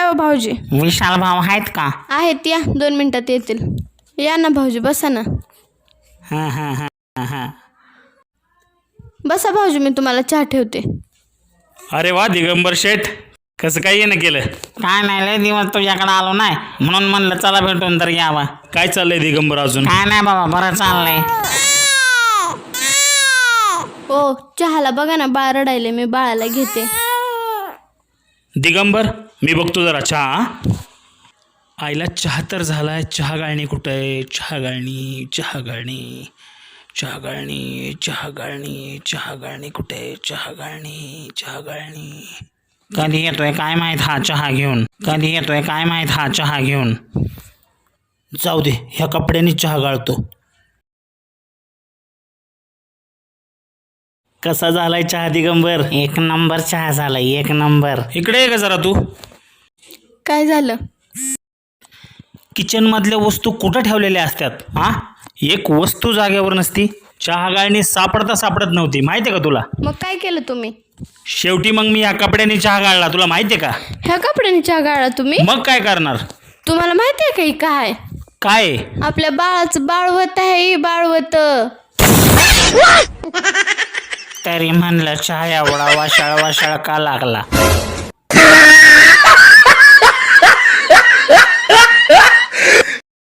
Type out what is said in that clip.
हो भाऊजी. विशाल भाऊ आहेत का? आहेत, या 2 मिनिटात येतील. या ना भाऊजी, बसा ना. हां हां हां हां. बसा भाऊजी, मी तुम्हाला चहा ठेवते. अरे वा दिगंबर शेठ, कसं काय येणं केलं? काय नाही, लय दिवस तुझ्याकडे आलो नाही म्हणून म्हणलं चला भेटून तर यावा. काय चाललंय दिगंबर अजून? काय नाही बाबा, बरं चाललंय. हो, चहाला बघा ना, बाळ रडायले, मी बाळाला घेते. दिगंबर मी बघतो जरा चहा. हा? आईला चहा तर झालाय, चहा गाळणी कुठं आहे? चहा गाळणी, चहा गाळणी, चहा गाळणी, चहा गाळणी, चहा गाळणी कुठे आहे? चहा गाळणी, चहा गाळणी. कधी येतोय काय माहित हा चहा घेऊन, कधी येतोय काय माहित हा चहा घेऊन. जाऊ दे, ह्या कपड्यांनी चहा गाळतो. कसा झालाय चहा दिगंबर? 1 नंबर चहा झाला, 1 नंबर. इकडे ये का जरा तू. काय झालं? किचन मधल्या वस्तू कुठं ठेवलेल्या असतात? हा, एक वस्तू जागेवर नसती. चहा गाळणी सापडता सापडत नव्हती, माहितीये का तुला? मग काय केलं तुम्ही? शेवटी मग मी या कपड्यांनी चहा गाळला, तुला माहितीये का? ह्या कपड्याने चहा गाळला तुम्ही? मग काय करणार? तुम्हाला माहिती आहे का ही काय? काय? आपल्या बाळाचं बाळवत आहे, बाळवत. तरी म्हणलं चहा एवढा वाशाळ वाशाळ का लागला.